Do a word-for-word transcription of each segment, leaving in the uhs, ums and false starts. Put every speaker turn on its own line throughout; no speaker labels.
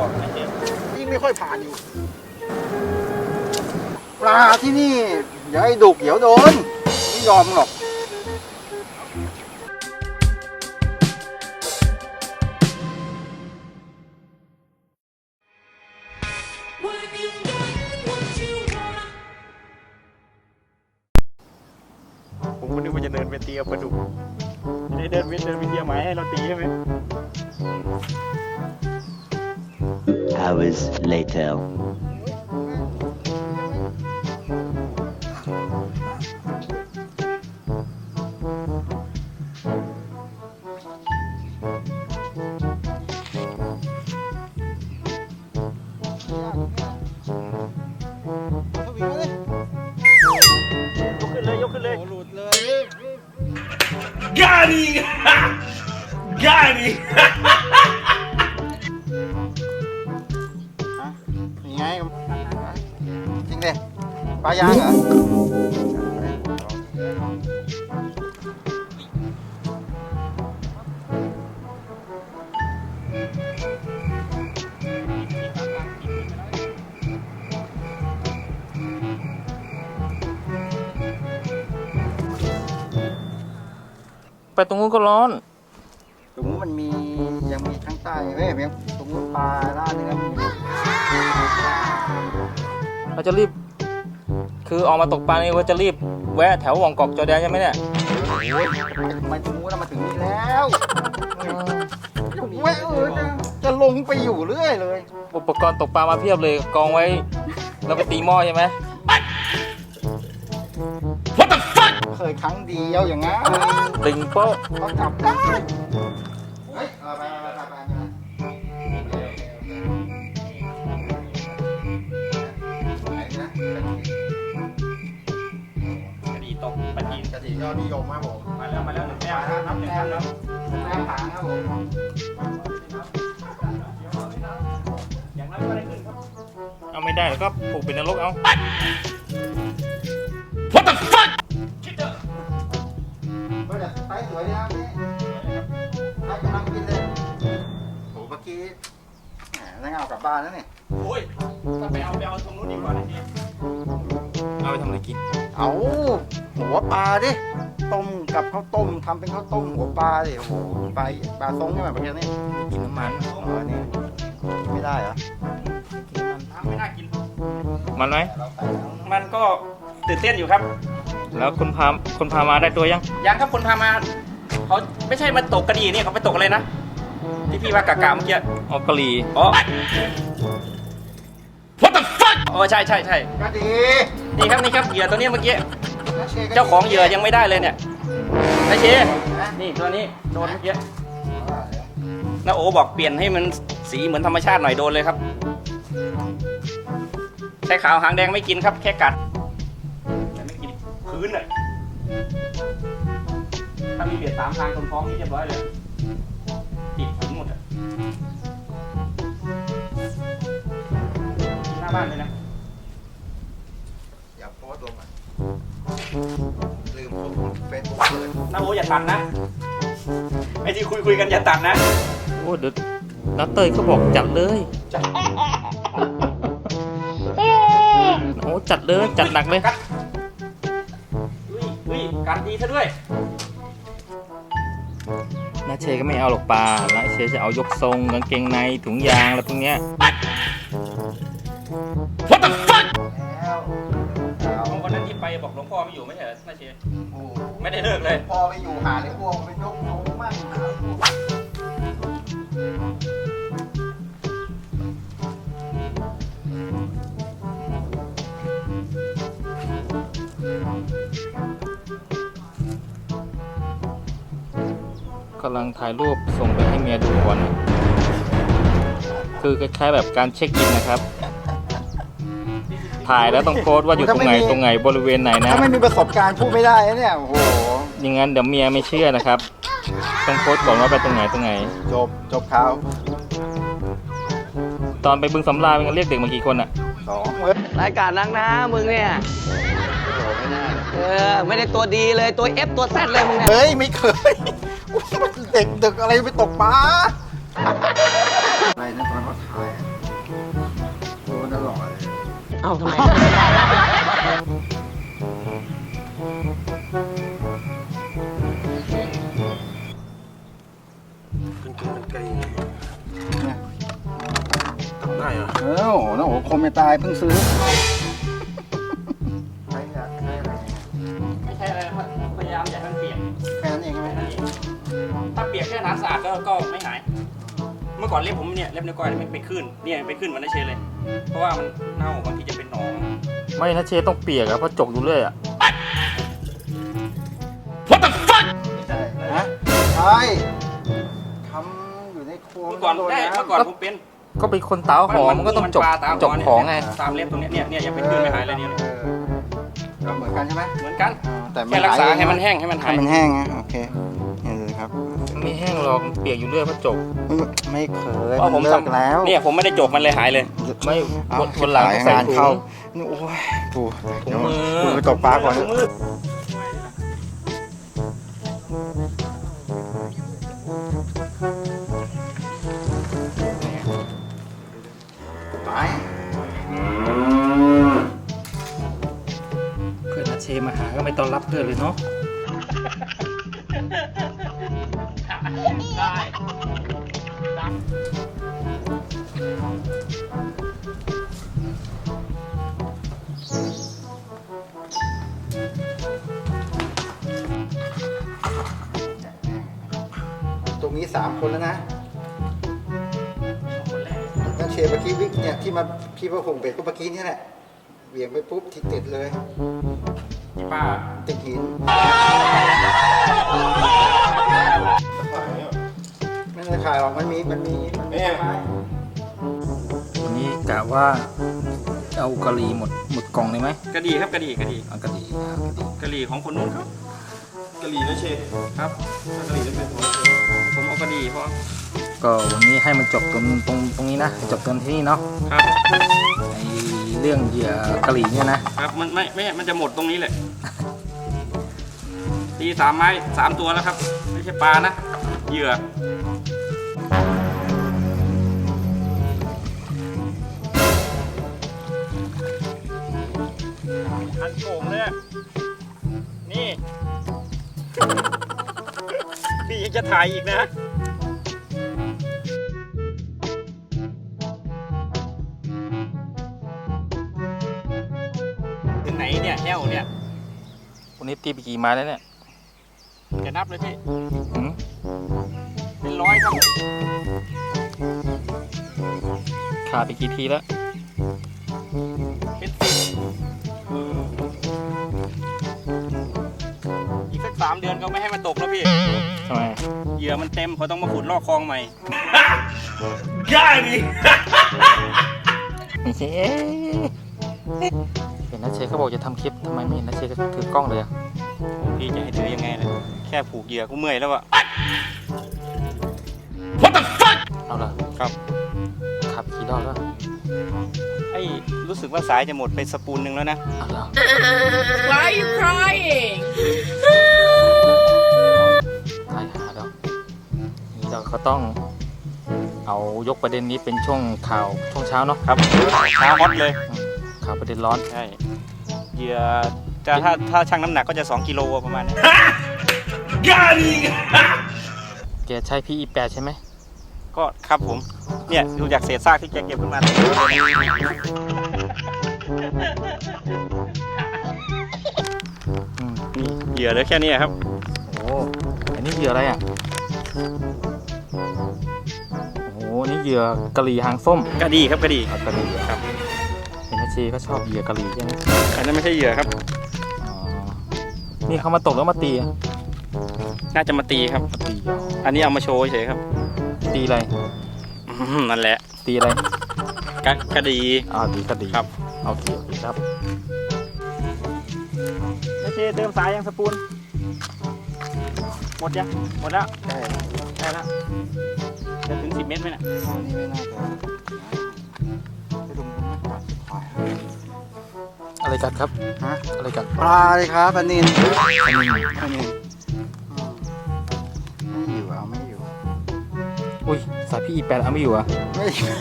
บอกนะเชฟ
ยิ่งไม่ค่อยผ่านอยู่ปลาที่นี่อย่าให้ดุเดี๋ยวโดนไม่ยอมหรอก
ผมก็นึกว่าจะเดินไปตีกับปลาดุกจะได้เดินไปเดินไปเตียไม้ให้เราตีใช่ไหม
Hours later.
ยกขึ้นเลยยกขึ้นเลยหลุดเลย
Got it! Got it!
ยังไงจริงเลยปลายางเหรอ
ไปตรงนู้นก็ร้อน
ตรงนู้นมันมียังมีข้างใต้เว้ยยังตรงนู้นปลาล่าเนื้อมันอยู่
เราจะรีบคือออกมาตกปลานี่ว่าจะรีบแวะแถวหว่องกอกจอแดนใช่ไหมเนี่ย
โอ้ยมาตรงนู้นแล้วมาถึงนี่แล้วแวะเออจะจะลงไปอยู่เรื่อยเลย
อุปกรณ์ตกปลามาเพียบเลยกองไว้เราไปตีหม้อใช่ไหม
เคยครั้งเดียวอย่างงั้น
ติงโป๊ะ
เขาจับได้เฮ้ยเอาไปไปไปไป
กระดีตกปลาจีน
กระดิ่งยอดนิยมครับผม
มาแล้วมาแล้วหนึ่งแต้มนับหนึ่งแต้มแล้ว
แม่ผางครับผม
อย่างนั้นก็ได้ขึ้นครับเอาไม่ได้แล้วก็ปลูกเป็นนรกเอา
What the fuck?
ก็จะไซส์สวยดีครับนี่ไซส์กำลังกินเลยโหเมื่อกี้แหมได้เอากลับบ้านแล้วนี่
โอ้ยถ้าไปเอาไปเอาตรงนู้นดีกว่านะทีเอาไปทำอะไรกิน
เอาหัวปลาดิต้มกับข้าวต้มทำเป็นข้าวต้มหัวปลาดิโอ้โหปลาปลาทรงใช่ไหมประเภทนี้
กินน้ำมัน
อ๋อนี่ไม่ได้เหรอ
น้ำไม่น่ากินมันไหม
เราใส่แล้ว
มันก็ตื่นเต้นอยู่ครับ แล้วคนพาคนพามาได้ตัวยังยังครับคนพามาเขาไม่ใช่มาตกกระดีนี่เขาไปตกอะไรนะที่พี่ว่ากากาเมื่อกี้อ๋อกะหรี่อ๋อ
What the fuck?
อ๋อใช่ใช่ใช่
ก็ดี
นี่ครับนี่ครับเหยื่อตัวนี้เมื่อกี้
แล้วชก็ดี
เจ้าของเหยื่อยังไม่ได้เลยเนี่ยไอเชนี่ตัวนี้โดนเมื่อกี้น้าโอบอกเปลี่ยนให้มันสีเหมือนธรรมชาติหน่อยโดนเลยครับใช้ขาวหางแดงไม่กินครับแค่กัดแต่ไม่กินพื้นเลยถ้ามีเบียดสามทางตรงท้องนี่เรียบร้อยเลยติดถึงหมดอะหน้าบ้านเลยนะ
อย่าโพสต์ลงอ่ะลืมโพสต์เฟซบุ๊กเลย
น้าโออย่าตัดนะไอ้ที่คุยคุยกันอย่าตัดนะโอ้เดี๋ยวน้าเตยก็บอกจัดเลยโอ้จัดเลยจัดหนักเลยอุ้ยอุ้ยการดีซะด้วยน้าเชก็ไม่เอาหรอกปลาน้าเชจะเอายกทรงกางเกงในถุงยางอะไรพวกเนี้ย
What the fuck?
แล้วเอา
วันนั้นที่ไปบอกหลวงพ่อไม่อยู่ไม่ใช่เหรอน้าเช
โอ้
ไม่ได้เลิกเลย
พอไปอยู่หาเลยพวกไปยกของมั่งหาพวก
กำลังถ่ายรูปส่งไปให้เมียดูก่อนคือคล้ายๆแบบการเช็คอินนะครับ ถ่ายแล้วต้องโค้ดว่าอยู่ตรงไหนตรงไหนบริเวณไหนนะ
ถ้าไม่มีประสบการณ์พูดไม่ได้นะเนี่ยโอ้โห
อย่างนั้นเดี๋ยวเมียไม่เชื่อนะครับ ต้องโค้ดก่อนว่าไปตรงไหนตรงไหน
จบจบข่าว
ตอนไปบึงสำราญเป็นเรียกเด็กมากี่คนอ่ะ
สองเว้ย
รายการนักนะมึงเนี่ย
โอ้ไม่ได้
เออ ไม่ได้ตัวดีเลยตัว F ตัว Z เลยมึงเนี่ย
เฮ้ยไม่เคยเด็กดึกอะไรไปตกปลานะตอนเขาถ่ายอะโอ้น่าหล่อเลย
เอ้าทำไม
เป็นกินเป็นไก่
เนี่ย
ทำได้เหรอ
เออโอ้โหน้องโอ้คมไม่ตายเพิ่งซื้อใช้อะใช้อะไรเนี่ย
ไม่ใช่อะไรนะครับพยายามอย่าให้มันเปียก
แค่นั้นเองใช่ไหม
แค่นั้นเองถ้าเปียกแค่น้ำสะอาดก็ก็ไม่หาย เมื่อก่อนเล็บผมเนี่ยเล็บนิ้วก้อยมันเป็นขึ้นเนี่ยเป็นขึ้นเหมือนนาเชเลย เพราะว่ามันเน่าบางทีจะเป็นหนอง
ไม่นะเชต้องเปียกอะเพราะจกอยู่เรื่อยอะ
What the fuck
ฮะใช่ทำอยู่ในครัว
เมื่อก่อน
โด
ได้
ำ
เมื่อก่อนผมเป็น
ก็เป็นคนตาหอมมันก็ต้องจก
ปลาตาม
จก
เนี่ย
ของไง
ตามเล็บตรงเนี้ยเนี่ยเนี่ยยังเป็นขึ้นไม่หายเลยเนี่ย
เออก็เหมือนกันใช่ไหม
เหมือนกัน
แต่ไม่
แค่รักษา
หาย
ให้มันแห้งให้มันหา
ให้
ย
มันแห้งนะโอเคนี่เลยครับ
ไม่แห้งหรอกมันเปียกอยู่เรื่อยเพราะจก
ไม่เคย
เพราะผม
นเลิก
ทำ
แล้ว
เนี่ยผมไม่ได้จกมันเลยหายเลย
ไม่
เอ้า
คนหลังต้องใส่
งาน
ถุ
เข้าง นี่โอ้ยปู
ถุง
เดี๋ยว
มือ
ปูไปตกปลาก่อน
ถุงมือ
ไป
เพื่อนนะเชมาหาก็ไม่ต้อนรับเพื่อนเลยเนาะ
ตรงนี้สามคนแล้วนะนั่นเชฟเมื่อกี้วิกเนี่ยที่มาพี่พระพงษ์เป็ดก็เมื่อกี้นี่แหละเหวี่ยงไปปุ๊บทิศติดเลย
ที่ป้า
ติดหินไม่ได้ขายหรอกมันมีมันมีมันมีไม้
วันนี้กะว่าเอากะหรี่หมดหมดกล่องเลยไหม
กระดีครับกระดีกระดี
เอากะหรี่เอากะหรี่
กระดีของคนนู้นครับ
กะหรี่นะเชฟ
ครับ
กะหรี่นั่นเป็นของ
ผมเอากระดีเพราะ
ก็วันนี้ให้มันจบตรงตรงตรงนี้นะจบตรงที่นี่เนาะ
ครับ
ไอเรื่องเหยื่อกะหรี่เนี่ยนะครับ
มันไม่ไม่มันจะหมดตรงนี้เลยตีสามไม้สามตัวแล้วครับ ไม่ใช่ปลานะเหยื่ออันโก่งเลยอะนี่ พี่ยังจะถ่ายอีกนะ ถึงไหนเนี่ยแห้วเนี่ย
วันนี้ตีไปกี่ไม้แล้วเนี่ย
จะนับเลยพี่
หืม
เป็นร้อยครับ
ขาดไปกี่ทีแล้ว
เป็นสิบอีกสักสามเดือนก็ไม่ให้มันตกแล้วพี่
ทำไม
เหยื่อมันเต็มเขาต้องมาขุดลอกคลองใหม่
Got it
ไม่ใช่เห็นนะเชเขาบอกจะทำคลิปทำไมไม่เห็นนะเชก็ถือกล้องเลยอะ
โอ้พี่จะให้ถือยังไงเลยแค่ผูกเหยื่อก็เมื่อยแล้วอะ
What the fuck
เอาละ
ครับ
ขับกี่รอบแล้ว
ไอ้รู้สึกว่าสายจะหมดไปสปูนหนึ่งแล้วนะ
เอาละ
Why are you crying?
ตายหาแล้วนี่เราก็ต้องเอายกประเด็นนี้เป็นช่วงข่าวช่วงเช้าเนาะ
ครับช้าฮอตเลย
อืมข่าวประเด็นร้อน
ใช่เหยื่อจะถ้าถ้าชั่งน้ำหนักก็จะสองกิโลประมาณนี้
Got it
แกใช้พีอีแปดใช่ไหม
ก็ครับผม เนี่ยดูจากเศษซากที่แกเก็บขึ้นมา
อืม
นี่เหยื่อเหลือแค่นี้ครับ
โอ้อันนี้เหยื่ออะไรอ่ะโอ้นี่เหยื่อกะหรี่หางส้ม
กระดีครับกระดี
เอากะหรี่
ครับ
เห็นนะเชก็ชอบเหยื่อกะหรี่ใช่ไหม
อันนั้นไม่ใช่เหยื่อครับ
อ๋อนี่เขามาตกแล้วมาตีอะ
น่าจะมาตีครับ
มาตีอ๋อ
อันนี้เอามาโชว์เฉยครับ
ตีอะไร
อืมนั่นแหละ
ตีอะไร
กระกระดี
อ่าตีกะหรี่
ครับ
เอาตีโอเคครับ
โอเคเติมสายยังสปูนหมดยังหมดแล้ว
ใช่
ได้แล้วจะถึงสิบเมตรไหมน่ะ
อันนี้ไม่น่าจะไปดูมันไม่ขาดสิบควาย
อะไรกัดครับ
ฮะ
อะไรกัด
ปลาเลยครับปลานิน
อันนี้
ปลานินอืมไม่อยู่เอาไม่อยู่
อุ้ยสายพีพี่แปดเอาไม่อยู่เหรอ่ะ
ไม่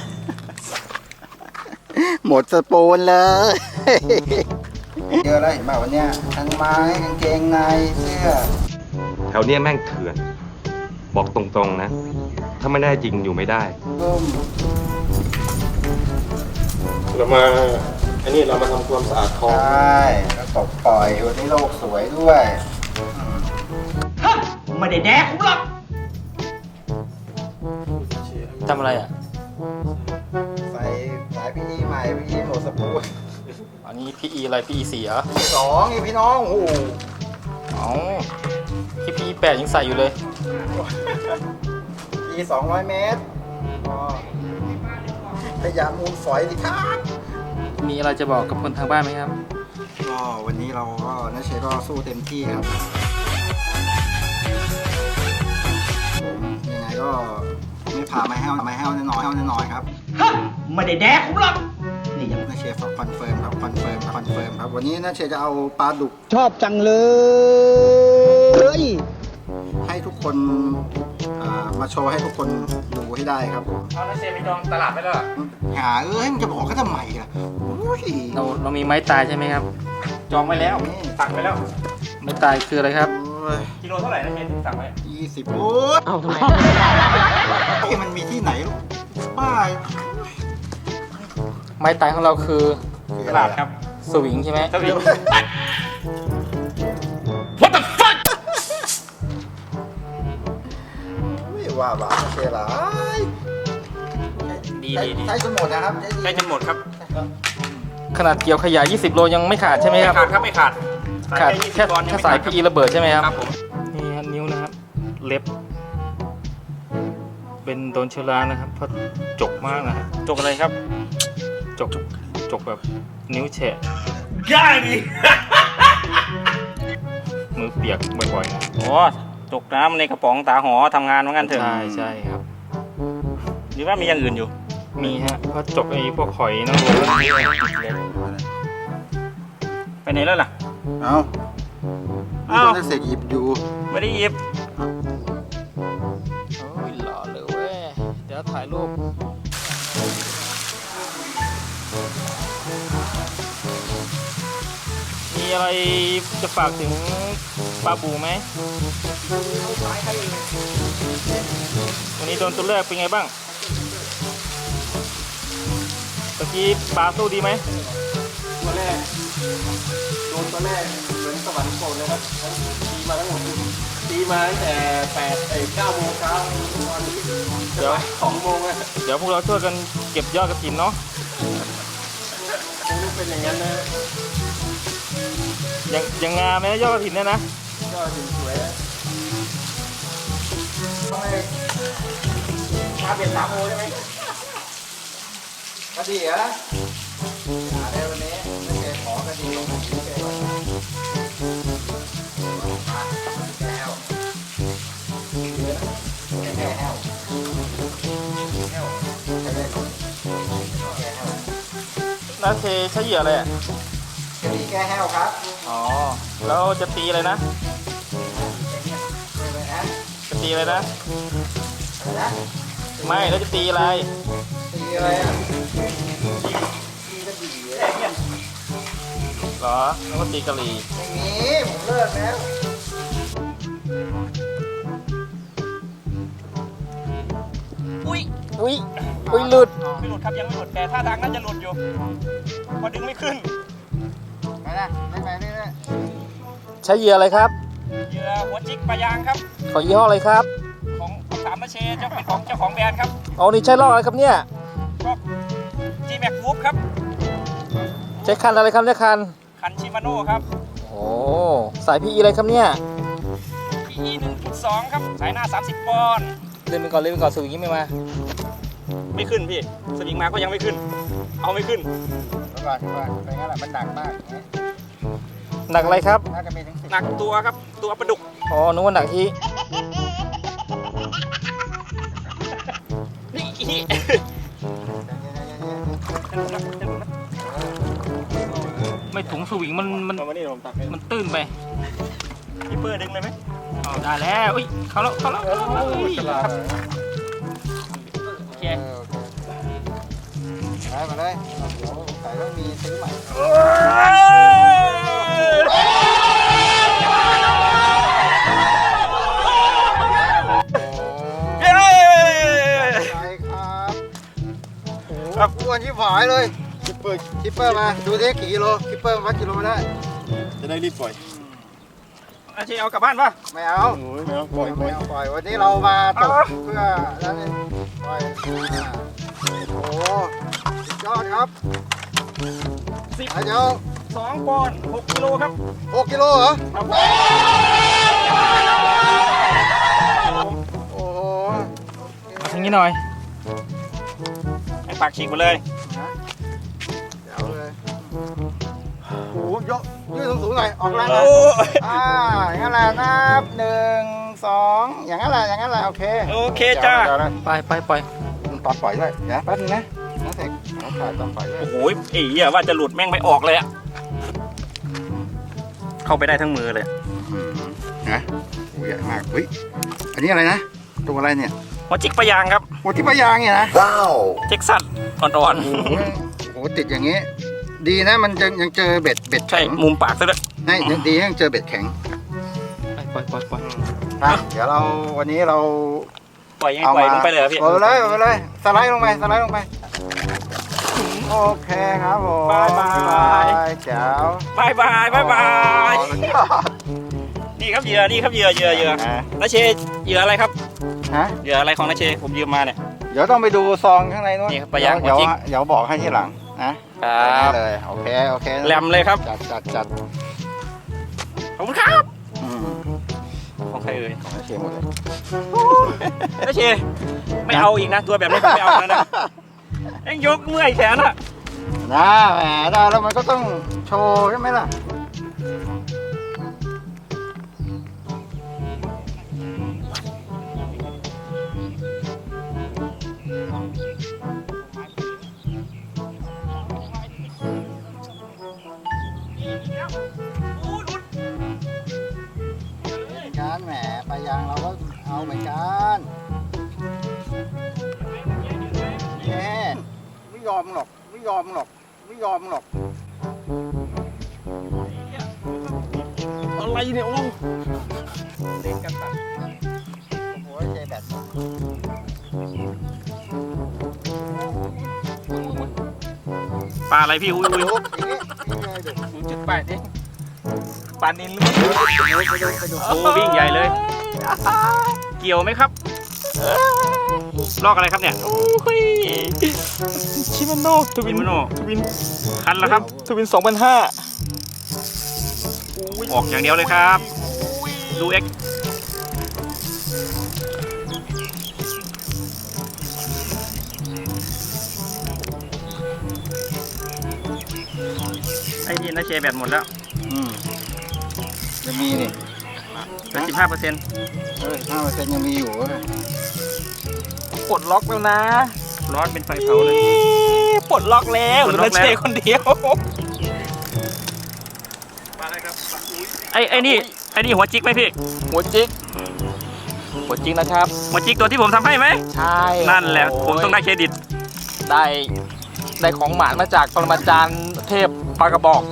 หมดสปูนเลย เยอะแล้วเห็นป่ะวันเนี้ยทั้งไม้กางเกงในเสื้อ
แถวเนี้ยแม่งเถื่อน บอกตรงๆนะ ถ้าไม่แน่จริงอยู่ไม่ได้
ร่ม
เรามา อันนี้เรามาทำความสะอาดคล
ใช
อง
่แล้วตกปล่อยวันนี้โลกสวยด้วย
ไม่ได้แดกผมหรอก
ทำอะไรอ่ะ
ใส่สายพี่อีใหม่พี่อีหมดสปูน
อันนี้พี่อีอะไรพี่อีสี่เหรอ
สองอีพี่น้องโอ้โห
อ๋อพี่พี่แปดยังใส่อยู่เลย
อีสองร้อยเมตรอ๋อพยายามมูลฝอยดิครับ
มีอะไรจะบอกกับคนทางบ้านไหมครับ
ก็วันนี้เราก็นัชเชก็สู้เต็มที่ครับผมยังไงก็ไม่พาไม่แห้วไม่แห้วแน่นอนแห้วแน่นอนครับ
ไม่ได้แดกผมหรอก
นี่ยังนัชเชฝากคอนเฟิร์มครับคอนเฟิร์มครับคอนเฟิร์มครับวันนี้นัชเชจะเอาปลาดุก
ชอบจังเลย
ให้ทุกคนอ่ามาโชว์ให้ทุกคนดูให้ได้ครับผม
เอาแล้วเชฟไปจองตลาดไปแล้วเหรอ
หาเอ้ยมันจะบอกเขาทำไมล่ะโอ้ย
เราเรามีไม้ตายใช่ไหมครับ
จองไว้แล้วสั่งไปแล้ว
ไม้ตายคืออะไรครับ
โอ้ย
กิโลเท่าไหร่นะเชฟที่สั่งไว้
ยี่สิบโอ้ย
เอ้าทำไม
เอ้ยมันมีที่ไหนลูกป้าย
ไม้ตายของเราคือ
ตลาดครับ
สวิงใช่ไหม
สวิง
ไม่ว่าบ้าเชลาย
ดี
ใช้
ดีดี
ใช้จนหมดนะครับ
ใกล้จะหมดครับ
ขนาดเกี่ยวขยะยี่สิบโลยังไม่ขาดใช่ไหม
ไม่
ครับ
ขาดครับไม่ขาด
ขาด
ยี่สิ
แค่
บปอนด์ยัง
แค่
ไม่
สาย
ขด
พีอีระเบิดใช่ไหมครับ
ครับผม
นี่ฮะนิ้วนะครับ เล็บ เป็นโดนเชื้อรานะครับ เพราะจกมากนะฮะ
จกอะไรครับ
จกจกแบบนิ้วแฉะ
Got it
มือเปียกบ่อยๆนะ
โอ้จกน้ำในกระป๋องตาหอทำงานเหมือนกันเถอะ
ใช่ใช่ครับ
หรือว่ามีอย่างอื่นอยู่
มีฮะเพราะจกไอ้พวกหอยนางรมแล้วนี่
ไปไหนแล้วล่ะ
เอา
เอ้า
เสกหยิบอยู่
ไม่ได้หยิบ
โอ้ยหล่อเลยเว้ย เดี๋ยวถ่ายรูป มีอะไรจะฝากถึงปลาบูไหม วันนี้โดนตัวแรกเป็นไงบ้าง เมื่อกี้ปลาสู้ดีไหม
ตัวแรกโดนตัวแรกเหมือนสวรรค์โกรธเลยครับตีมาทั้งหมดตีมาตั้งแต่แปดไอ้เก้าโมงเช้าตอนนี้
เดี๋ยว
สองโมงอะ
เดี๋ยวพวกเราช่วยกันเก็บยอดกระถินเนาะ
คงต้องเป็นอย่างนั้นนะ
ยังยังงามไหมยอดกระถินเนี่ยนะ
ก็ถึงสวยอะ
มาเปลี่ยนสามโมใช่ไหม
กระดิ่งเหรอหาได้วันนี้นัชเชขอกระดิ่งลงมาเฉยๆก่อนมาแก้วแก้วแก้วแก้วใช้ได้ก่อนแก้ว
นาเทใช้เหยื่ออะไรอ่ะ
กระดิ่งแก้แห้วครับ
อ๋อ แล้วจะตีอะไรนะ
ไปนะ
จะตีอะไรนะ
อะไรนะ
ไม่ แล้วจะตีอะไร
ตีอะไรอ่ะตีกระดิ่งเลย
เหรอ แล้วก็ตีกะหรี่
ไม่มีผมเลิกแล้ว
อุ้ย
อุ้ย อุ้ยหลุด
ไม่หลุดครับยังไม่หลุดแต่ท่าทางน่าจะหลุดอยู่เพอดึงไม่ขึ้น
ไปนะไม่ไปเรื่อย
ใช้เหยื่ออะไรครับ
เหยื่อหัวจิกปลายางครับ
ขอยี่ห้ออะไรครับ
ของสามนาเชเจ้าเป็นของเจ้าของแบรนด์ครับ
อ๋อ นี่ใช้ลอกอะไรครับเนี่ย
ก็ G Max Whoop ครับ
ใช้คันอะไรครับเนี่ยคัน
คันชิมาโน่ครับ
โอ้ สายพีอีอะไรครับเนี่ย
พี อี หนึ่งจุดสอง ครับสายหน้าสามสิบปอนด์
เล่นไปก่อนเล่นไปก่อนสวิงยังไม่มา
ไม่ขึ้นพี่สวิงมาก็ยังไม่ขึ้น เอาไม่ขึ้น
ๆเดี๋ยวก่อนเดี๋ยวก่อนไปงั้นแหละมันหนักมากอย่างเงี้ย
หนักอะไรครับ
น่าจะมีถึงสิบ
หนักตัวครับตัวปลาดุก
อ๋อ นึกว่าหนักที่
นี่อีจะหลุดแล้วจะหลุดแล้ว
ไม่ถุงสวิงมันมัน
เอามานี่ผมตักให้
มันตื้นไป
พี่เปอร์ดึงเลยไหม
อ๋อได้แล้วอุ้ย เขาแล้วเขาแล้วเขาแล้วอุ้ย
ฉลาด
ครับ
เค
เออโอเคได้มาเลยเอาเดี๋ยวใส่ต้องมีซื้อใหม่ใช่ครับโอ้โหอ้วนที่ฝายเลยคิปเปอร์คิปเปอร์มาดูดิกี่กิโลคิปเปอร์วัดกิโลมาได้
จะได้รีบปล่อย
อาชีเอากลับบ้านป่ะ
ไม่เอา
โอ้ยไม่เอาปล่อยปล่
ไม่
อย
เอาปล่อยวันนี้เรามาตกเพื่อแล้วนี่ปล่อยอ่าโอ้โหสุดยอดครับ
สิบ
อ่ะเดี๋ยว
สองปอนด์หกกิโลครับ
หกกิโลเหรอ
ครับ
โอ้โห
ทางนี้หน่อยให้ปากฉีกไปเลย
เดี๋ยวเลยโอ้โหยกยืดสูงๆหน่อยออกแรงห
โอ้
น่อย
ย
อ่าอย่างนั้นแหละนับหนึ่งสองอย่างนั้นแหละอย่างนั้นแหละโอเค
โอเคจ้า
เดี๋ยวนะ
ไปไปไป
ตอนปล่อยด้วยเดี๋ยวแป๊บนึงนะน้าเสกน้าถ่ายตอนปล่อยด้วย
โอ้โหไอ้เหี้ยว่าจะหลุดแม่งไม่ออกเลยอะเข้าไปได้ทั้งมือเลย
นะโอ้ใหญ่มากเฮ้ยอันนี้อะไรนะตัวอะไรเนี่ย
หัวจิกปลายางครับ
โอ้ที่ปะยางเนี่ยนะ
เท็กซัสอ่อน
โอ้โหโอ้โหติดอย่างงี้ ดีนะมันยังยังเจอเบ็ดเบ็ด
ๆใช่
แข็ง
มุมปากซะด้วย
ให้ยังดียังเจอเบ็ดแข็ง
ไปปล่อยปล่อยปล่อย
อ่ะเดี๋ยวเราวันนี้เรา
ปล่อยยังไง
เอา
ปล่อย
มา
ลงไปเลยเหรอพี่
ปล่อยไปเลยปล่อยไปเลยสไลด์ลงไปสไลด์ลงไปโอเคครับผม
บายบาย
แจ๋ว
บายบายบายบาย
โอ้สุดยอด
นี่ครับเหยื่อนี่ครับเหยื่อเหยื่อเหยื่อ
อ่ะ
นาเชเหยื่ออะไรครับ
ฮะ
เหยื่ออะไรของนาเชผมยืมมาเนี่ย
เดี๋ยวต้องไปดูซองข้างในนู้น
นี่ครับปะยาง
เดี๋ยว
หัวจิ๊ก
เดี๋ยวบอกให้ทีหลังนะครับ ได้เลยโอเคโอเค
แหลมเลยครับ
จัดจัดจัด
ขอบคุณครับ
อืม
ของใครเอ่ย
ของเชียร์หมดเลย
นาเชไม่เอาอีกนะตัวแบบนี้ผมไม่เอาแล้วนะเอ็งยกเมื่อยแขนอะ
นะแหมได้แล้วมันก็ต้องโชว์ใช่ไหมล่ะ การแหมปลายางเราก็เอาเหมือนกันแน่ไม่ยอมหรอกไม่ยอมหรอกไม่ยอมหรอก
อะไรเนี่ยโอ้
เล่นกันตัดโอ้โหใจแบต
ปลาอะไรพี่อุ้ยอุ้ย
ลุกอย่างนี้นี่เลยเด็ก
ศูนย์จุดแปดเองปลานินหรือเปล่าโอ้วิ่งใหญ่เลย เกี่ยวไหมครับลอกอะไรครับเนี่ย
ชิมาโนทวิ
วิ
น
นโน
ทวิน
คันแล้วครับ
ทวินสองพันห้า
ออกอย่างเดียวเลยครับ ดูเอ็กไอ้นี่นาเชแบตหมดแล้ว
อืมยังมีนี่
เหลือสิบห้าเปอร์เซ็นต์
เออห้าเปอร์เซ็นต์ยังมีอยู่เว้ย
ปลดล็อกแล้วนะ
ร้อนเป็นไฟเผาเลย
ปลดล็อกแล้ว
ป
เห
ล
ลื
ดล็
อ
อกแล้ว
เชคนเดียว
ไอ้ไอ้นี่ไอ้นี่หัวจิกไหมพี่
หัวจิกหัวจิกนะครับ
หัวจิกตัวที่ผมทำให้ไหม
ใช่
นั่นแหละผมต้องได้เครดิต
ได้ได้ของหมานมาจากปรมาจารย์เทพปลากระบอก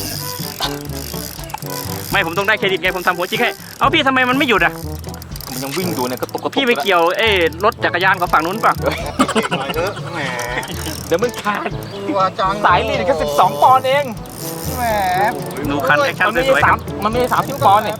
ไม่ผมต้องได้เครดิตไงผมทำหัวจิกให้ เอาพี่ทำไมมันไม่หยุดอ่ะ
มันยังวิ่งอยู่เนี่ยกระตุกกระตุก
พี่ไปเกี่ยวเอ้รถจักรยานของฝั่งนู้นป่ะ
เก่งหน่อยเถอะแหม
เดี๋ยวมันขาด
กลัวจัง
สายลีดแค่สิบสองปอนด์เอง
แหม
ดูคันแอคชั่น
มันไม่
ส
ได้
วยๆค
สา
รั
ม
บ
มันไม่ได้สามสิบปอนด์เนี่ย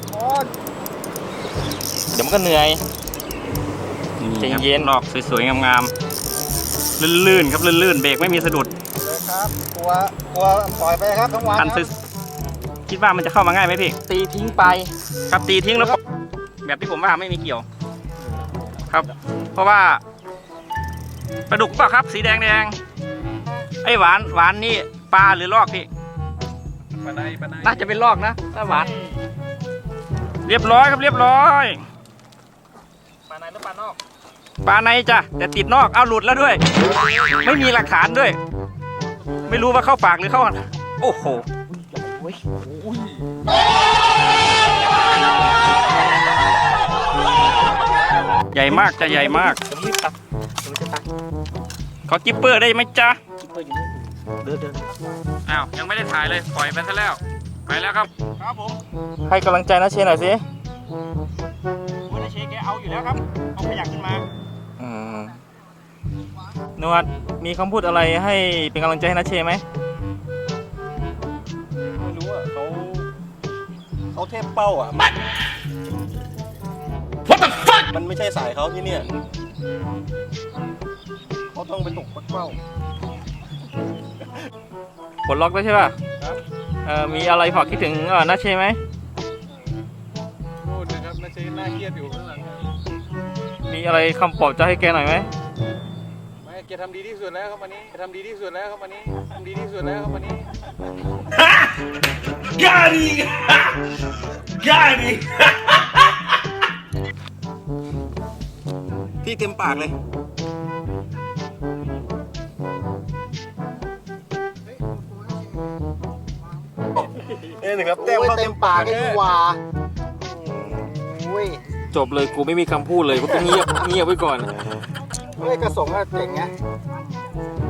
เดี๋ยวมันก็เหนื่อย ใจเย็น
ออกสวยๆงามๆลื่นๆครับลื่นๆเบรกไม่มีสะดุด
เลยครับกลัวกลัวปล่อยไปครับทั้งวัน
คัน
นะ
สวยคิดว่ามันจะเข้ามาง่ายไหมพี่
ตีทิ้งไป
ครับตีทิ้งแล้วปล่อยแบบที่ผมว่าไม่มีเกี่ยว ครับ เพราะว่าปลาดุกเปล่ะครับ สีแดงแดงๆไอ้หวานหวานนี่ปลาหรือลอกพี่
ปลาในปลาใน
น่าจะเป็นลอกนะถ้าหวาน เรียบร้อยครับเรียบร้อย
ปลาในหรือปลานอก
ปลาในจ้ะแต่ติดนอกเอาหลุดแล้วด้วย ไม่มีหลักฐานด้วย ไม่รู้ว่าเข้าปากหรือเข้าโอ้โหใหญ่มากจะใหญ่มาก
เดี๋ยวรีบตัดเดี๋ยวจะตัด
ขอกิปเปอร์ได้ไหมจ๊ะ
เดินเดิน
อ้าวยังไม่ได้ถ่ายเลยปล่อยไปซะแล้วไปแล้วครับครับผม
ให้กำลังใจนะเชนหน่อยสิ
วันนี้เชคแกเอาอยู่แล้วครับเอาขยักขึ้นมา
อืมนวดมีคำพูดอะไรให้เป็นกำลังใจให้นะเชไหม
ไม่รู้อ่ะเขาเขาเทพเป้าอ่ะ
What the fuck
มันไม่ใช่สายเขาที่เนี่ยเขาต้องไปตกปักเป้า
ปลดล็อกแล้วใช่ป่ะ
ครับ
เอ่อมีอะไรฝากคิดถึงเอ่อนาเชไหม
โทษนะครับนาเชนน่าเครียดอยู่ข้างหลังครับ
มีอะไรคำปลอบใจให้แกหน่อยไหม
ไม่แกทำดีที่สุดแล้วครับวันนี้แกทำดีที่สุดแล้วครับวันนี้ทำดีที่สุดแล้วครับวันนี้
Got it Got it
พี่เต็มปากเลย นี่นะครับเต็ม
โอ้ย
เข้า
เต็
เต็
ม
ม
ปา
ปาก ก
ไอ้
เลย
หว่าอุ้ย
จบเลยกูไม่มีคำพูดเลยกูต้องเงียบ เงียบไว้ก่อน
เฮ้ยกระสงอะเจ๋งไง